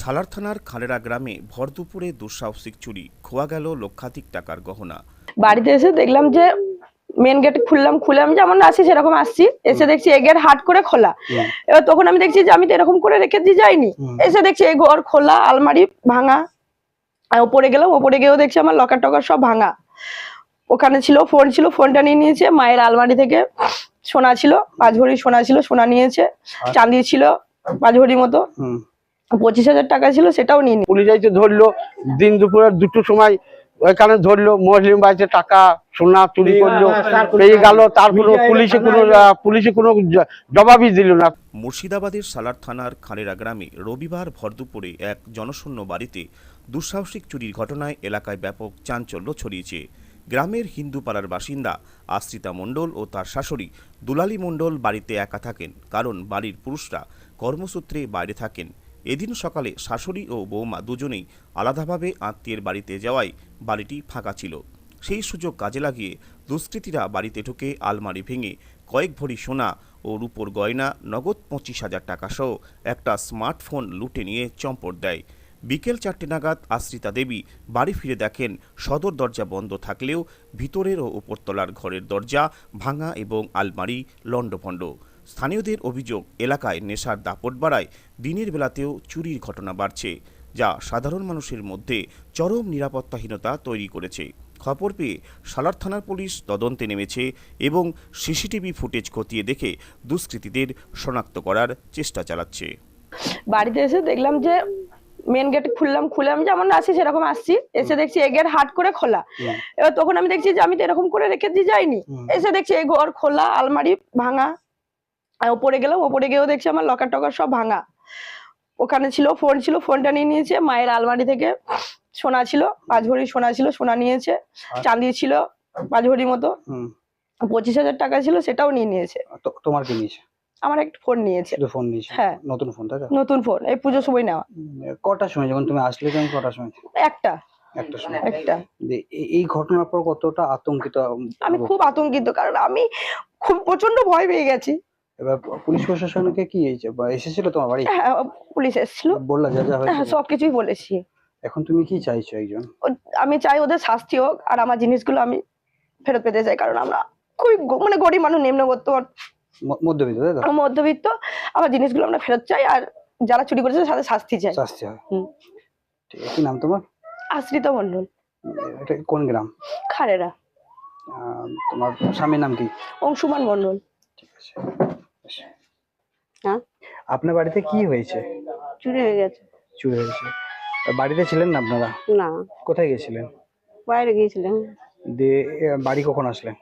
সালার থানার খালেরা গ্রামে ভর দুপুরে দুঃসাহসিক চুরি, খোয়া গেল লক্ষাধিক টাকার গহনা। বাড়িতে এসে দেখলাম যে মেন গেট খুলে আমি যেমন আসি সেরকম আসছি, এসে দেখছি এই গেট হাট করে খোলা। এবার তখন আমি দেখছি যে আমি তো এরকম করে রেখে দিয়ে যাইনি, এসে দেখছি এই ঘর খোলা, আলমারি ভাঙা। আর ওপরে গেলাম, ওপরে গিয়েও দেখছি আমার লকার টকার সব ভাঙা। ওখানে ছিল ফোনটা নিয়ে নিয়েছে। মায়ের আলমারি থেকে সোনা ছিল, 5 ভরি সোনা ছিল, সোনা নিয়েছে। চাঁদি ছিল 5 ভরি মতো, 25,000 টাকা ছিল, সেটাও নিয়ে নিয়েছে। পুলিশ আইতে ধরলো দিন দুপুরে 2টোর সময়, ওইখানে ধরলো মুসলিম বাড়িতে টাকা সোনা চুরি করলো, পেয়ে গেল। তারপরে পুলিশে কোনো জবাবই দিল না। মুর্শিদাবাদের সালার থানার খালেরা গ্রামে রবিবার ভর দুপুরে এক জনশূন্য বাড়িতে দুঃসাহসিক চুরির ঘটনায় এলাকায় ব্যাপক চাঞ্চল্য ছড়িয়েছে। গ্রামের হিন্দু পাড়ার বাসিন্দা আশ্রিতা মণ্ডল ও তার শাশুড়ি দুলালী মণ্ডল বাড়িতে একা থাকেন, কারণ বাড়ির পুরুষরা কর্মসূত্রে বাইরে থাকেন। এদিন সকালে শাশুড়ি ও বৌমা দুজনেই আলাদাভাবে আত্মীয়ের বাড়িতে যাওয়ায় বাড়িটি ফাঁকা ছিল। সেই সুযোগ কাজে লাগিয়ে দুষ্কৃতীরা বাড়িতে ঢুকে আলমারি ভেঙে কয়েক ভরি সোনা ও রূপোর গয়না, নগদ 25,000 টাকা সহ একটা স্মার্টফোন লুটে নিয়ে চম্পট দেয়। বিকেল 4টে নাগাদ আশ্রিতা দেবী বাড়ি ফিরে দেখেন সদর দরজা বন্ধ থাকলেও ভিতরের ও উপরতলার ঘরের দরজা ভাঙা এবং আলমারি লণ্ডভণ্ড। স্থানীয়দের অভিযোগ, এলাকায় নেশার দাপট বাড়ায় দিনের বেলাতেও চুরির ঘটনা বাড়ছে, যা সাধারণ মানুষের মধ্যে চরম নিরাপত্তাহীনতা তৈরি করেছে। খবর পেয়ে সালার থানার পুলিশ তদন্তে নেমেছে এবং সিসিটিভি ফুটেজ খতিয়ে দেখে দুষ্কৃতীদের শনাক্ত করার চেষ্টা চালাচ্ছে। বাড়িতে এসে দেখলাম যে মেন গেট খুলে আমি যেমন আসি সেরকম আসছি, এসে দেখছি এই গেট হাট করে খোলা। এবার তখন আমি দেখছি যে আমি তো এরকম করে রেখে দিয়ে যাইনি, এসে দেখছি এই ঘর খোলা, আলমারি ভাঙা। আর ওপরে গেলাম, ওপরে গিয়েও দেখছি আমার লকার টকার সব ভাঙা। ওখানে ছিল ফোনটা নিয়ে নিয়েছে। মায়ের আলমারি থেকে সোনা ছিল 5 ভরি সোনা ছিল, সোনা নিয়েছে। চাঁদি ছিল 5 ভরি মতো, 25,000 টাকা ছিল, সেটাও নিয়ে নিয়েছে। তোমার কি নিয়েছে? আমার একটা ফোন নিয়েছে। ফোন নিয়েছে? হ্যাঁ, নতুন ফোন, তাই তো? নতুন ফোন, এই পুজোর সময় নেওয়া। কটার সময় যখন তুমি আসলে, তুমি কটার সময়? একটা সময়। একটা এই ঘটনার পর কতটা আতঙ্কিত? আমি খুব আতঙ্কিত, কারণ আমি খুব প্রচন্ড ভয় পেয়ে গেছি। এবার পুলিশ প্রশাসনকে কি হয়েছে বা এসেছিল তোমার বাড়ি? হ্যাঁ, পুলিশ এসেছিল, বললা যা যা হয়েছে? হ্যাঁ, সবকিছুই বলেছি। এখন তুমি কি চাইছো? একজন আমি চাই ওদের শাস্তি হোক, আর আমার জিনিসগুলো আমি ফেরত পেতে চাই, কারণ আমরা খুবই মানে গরিব মানুষ, নিম্নবিত্ত মধ্যবিত্ত, তাই তো? মধ্যবিত্ত। আমার জিনিসগুলো আমরা ফেরত চাই, আর যারা চুরি করেছে তাদের শাস্তি চাই। শাস্তি হয়। ঠিক আছে। কি নাম তোমার? আশ্রিতা মণ্ডল। এটা কোন গ্রাম? খালেরা। তোমার স্বামীর নাম কি? অংশুমান মণ্ডল। ঠিক আছে। হ্যাঁ, আপনার বাড়িতে কি হয়েছে? চুরি হয়ে গেছে। চুরি হয়েছে? বাড়িতে ছিলেন না আপনারা? না, কোথায় গেছিলেন? বাইরে গিয়েছিলাম। দিয়ে বাড়ি কখন আসলেন?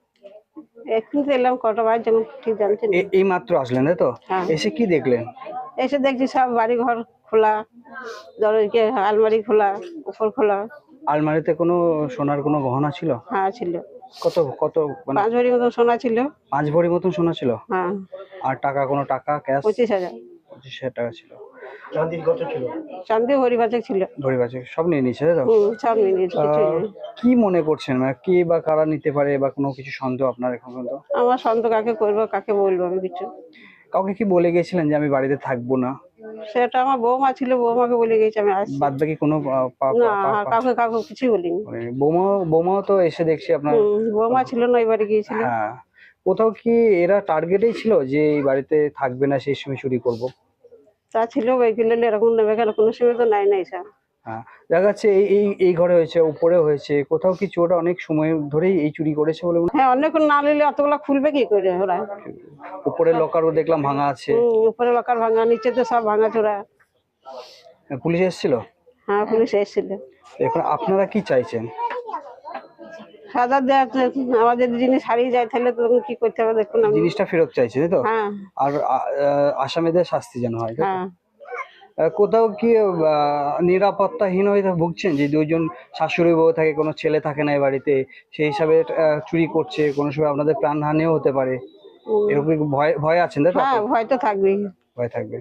এখন তো এলাম, কটা বাজে যখন ঠিক জানছি না। এই মাত্র আসলেন, তাই তো? হ্যাঁ। এসে কি দেখলেন? এসে দেখছি সব বাড়ি ঘর খোলা, দরজা আলমারি খোলা, উপর খোলা। আলমারিতে কোনো সোনার কোনো গহনা ছিল? হ্যাঁ, ছিল। কত কত? 5 ভরি মতো সোনা ছিল। 5 ভরি মতন সোনা ছিল? হ্যাঁ। আর টাকা, কোনো টাকা ক্যাশ? 25,000। 25,000 টাকা ছিল। চাঁদি কত ছিল? চাঁদি ভরি বাজে ছিল। ভরি বাজে সব নিয়ে নিয়েছে, তাই তো? সব নিয়ে নিয়েছে। কি মনে করছেন, মানে কে বা কারা নিতে পারে, বা কোনো কিছু সন্দেহ আপনার এখন পর্যন্ত? আমার সন্দেহ কাকে করবো, কাকে বলবো আমি কিছু? কাউকে কি বলে গেছিলেন যে আমি বাড়িতে থাকবো না? সেটা আমার বৌমা ছিল, বৌমাকে বলে গেছি আমি আসছি। বাদ বাকি কোনো না, কাউকে কিছুই বলিনি। বৌমাও তো এসে দেখছি আপনার। বৌমা ছিল না, এবারে গিয়েছিল। হ্যাঁ। কোথাও কি এরা টার্গেটেই ছিল যে এই বাড়িতে থাকবে না, সেই সময় চুরি করব? তা ছিল, ওইগুলো এরকম নেবে কেন, কোনো সময় তো নাই স্যার। হ্যাঁ, দেখা যাচ্ছে এই ঘরে হয়েছে, উপরে হয়েছে, কোথাও কি চোরটা অনেক সময় ধরেই এই চুরি করেছে বলে মনে? হ্যাঁ, অনেকক্ষণ না নিলে অতগুলা খুলবে কি করে ওরা? উপরে লকারও দেখলাম ভাঙা আছে। উপরে লকার ভাঙা, নিচে তো সব ভাঙা চোরা। পুলিশ এসেছিল? হ্যাঁ, পুলিশ এসেছিল। এখন আপনারা কি চাইছেন? সাজা দেওয়া, আমাদের জিনিস হারিয়ে যায় তাহলে তখন কি করতে হবে দেখুন। জিনিসটা ফেরত চাইছে, তাই তো? হ্যাঁ। আর আসামিদের শাস্তি যেন হয়। হ্যাঁ। কোথাও কি নিরাপত্তাহীন হয়ে ভুগছেন যে দুজন শাশুড়ি বউ থাকে, কোনো ছেলে থাকে না এই বাড়িতে, সেই হিসাবে চুরি করছে, কোনো সময় আপনাদের প্রাণহানিও হতে পারে, এরকম ভয় আছেন, তাই তো? হ্যাঁ, ভয় তো থাকবেই। ভয় থাকবে।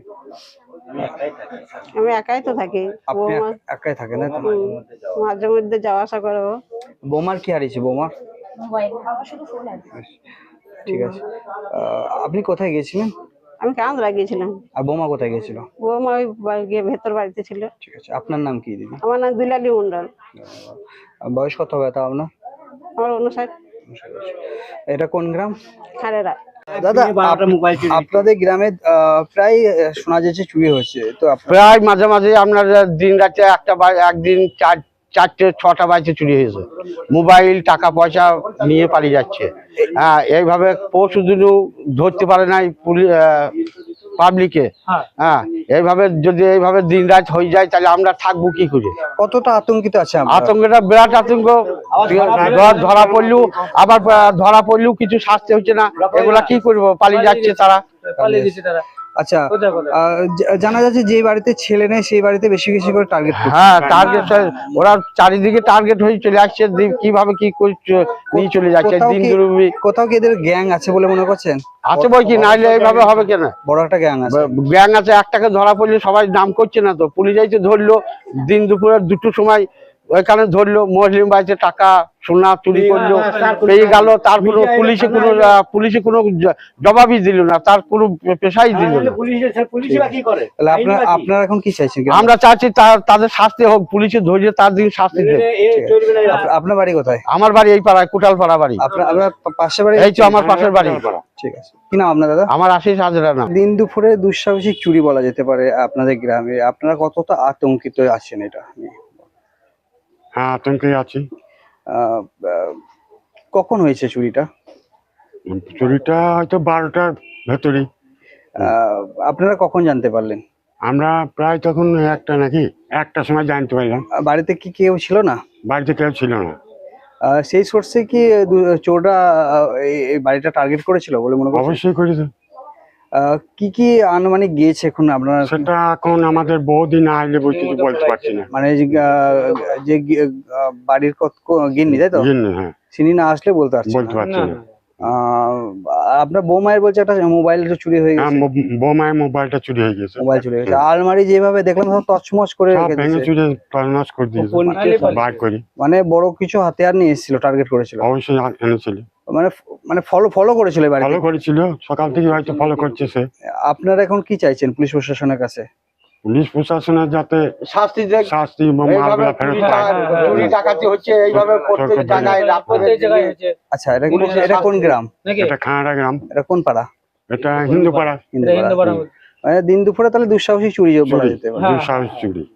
আমি একাই তো থাকি। আপনি একাই থাকেন, তাই তো? মাঝে মধ্যে যাওয়া আসা করবো। বৌমার কি হারিয়েছে? বৌমার মোবাইল, আমার শুধু ফোন আছে। ঠিক আছে। আপনি কোথায় গেছিলেন? আমি কাঁদরা গিয়েছিলাম। আর বোমা কোথায় গেছিল? ও আমার ওই গিয়ে ভেতর বাড়িতে ছিল। ঠিক আছে, আপনার নাম কি দিদি? আমার নাম দুলালী মন্ডল। বয়স কত হবে তা আপনার? আমার 59। এটা কোন গ্রাম? খালেরা। দাদা আপনাদের গ্রামে প্রায় শোনা যাচ্ছে চুরি হচ্ছে, তো প্রায় মাঝে মাঝে আপনার দিন রাতে একদিন চারটে ছটা বাজে চুরি হয়েছে। মোবাইল টাকা পয়সা নিয়ে পালিয়ে যাচ্ছে। হ্যাঁ, এইভাবে পরশু দিনও ধরতে পারে নাই পাবলিকে। হ্যাঁ, এইভাবে যদি এইভাবে দিন রাত হয়ে যায় তাহলে আমরা থাকবো কি করে? কতটা আতঙ্কিত আছে আপনারা? আতঙ্কটা বিরাট আতঙ্ক। ধরা পড়লেও আবার ধরা পড়লেও কিছু শাস্তি হচ্ছে না। এগুলা কি করবো? পালিয়ে যাচ্ছে তারা। আচ্ছা, জানা যাচ্ছে যে বাড়িতে ছেলে নেই সেই বাড়িতে বেশি বেশি করে টার্গেট। হ্যাঁ, টার্গেট ওরা চারিদিকে টার্গেট হয়ে চলে আসছে। কিভাবে কি করে নিয়ে চলে যাচ্ছে দিন দুর্বি। কোথাও কি এদের গ্যাং আছে বলে মনে করছেন? আছে বই কি, নাইলে এইভাবে হবে কেন? বড় একটা গ্যাং আছে। গ্যাং আছে, একটাকে ধরা পড়লে সবাই নাম করছে না তো। পুলিশ আইতে ধরলো দিন দুপুরে 2টোর সময়, ওইখানে ধরলো মুসলিম বাড়িতে টাকা সোনা চুরি করলো, পেয়ে গেল। তার কোনো পুলিশে কোনো জবাবই দিল না, তার কোনো পেশাই দিল না। তাহলে আপনারা এখন কি চাইছেন? আমরা চাচ্ছি তাদের শাস্তি হোক, পুলিশে ধরিয়ে তার দিন শাস্তি দেয়। আপনার বাড়ি কোথায়? আমার বাড়ি এই পাড়ায়, কোটালপাড়া বাড়ি। আপনার পাশের বাড়ি? এই তো আমার পাশের বাড়ি। ঠিক আছে, কি নাম আপনার দাদা? আমার আশিস হাজরা নাম। দিন দুপুরে দুঃসাহসিক চুরি বলা যেতে পারে আপনাদের গ্রামে, আপনারা কতটা আতঙ্কিত আছেন এটা নিয়ে? হ্যাঁ, আতঙ্কে আছি। কখন হয়েছে চুরিটা? চুরিটা হয়তো 12টার ভেতরে। আপনারা কখন জানতে পারলেন? আমরা প্রায় তখন একটার সময় জানতে পারলাম। বাড়িতে কি কেউ ছিল না? বাড়িতে কেউ ছিল না। সেই সোর্সে কি চোররা এই বাড়িটা টার্গেট করেছিল বলে মনে করছেন? অবশ্যই করেছে। কি কি আনুমানিক গিয়েছে এখন আপনারা? সেটা এখন আমাদের বহুদিন আইলে কিছু বলতে পারছি না। মানে যে বাড়ির গিন্নি, তাই তো? হ্যাঁ, চিনি না আসলে বলতে পারছি না। আপনার বৌমায়ের বলছে একটা মোবাইল চুরি হয়ে গেছে। বোমায় মোবাইলটা চুরি হয়ে গেছে। মোবাইল চুরি হয়ে গেছে। আলমারি যেভাবে দেখলাম সব তছমছ করে রেখে দিয়েছে। চুরি তছনছ করে দিয়েছে বার করে। মানে বড় কিছু হাতিয়ার নিয়ে এসেছিল, টার্গেট করেছিল। অবশ্যই এনেছিল। মানে ফলো করেছিল বাড়িতে? ফলো করেছিল, সকাল থেকে হয়তো ফলো করছে সে। আপনারা এখন কি চাইছেন পুলিশ প্রশাসনের কাছে? পুলিশ প্রশাসনের যাতে শাস্তি মালগুলা ফেরত পায়। চুরি ডাকাতি হচ্ছে এইভাবে প্রত্যেক জায়গায় আচ্ছা, এটা কোন গ্রাম? এটা খানাড়া গ্রাম। এটা কোন পাড়া? এটা হিন্দু পাড়া। মানে দিন দুপুরে তাহলে দুঃসাহসিক চুরি বলা যেতে পারে। দুঃসাহস চুরি।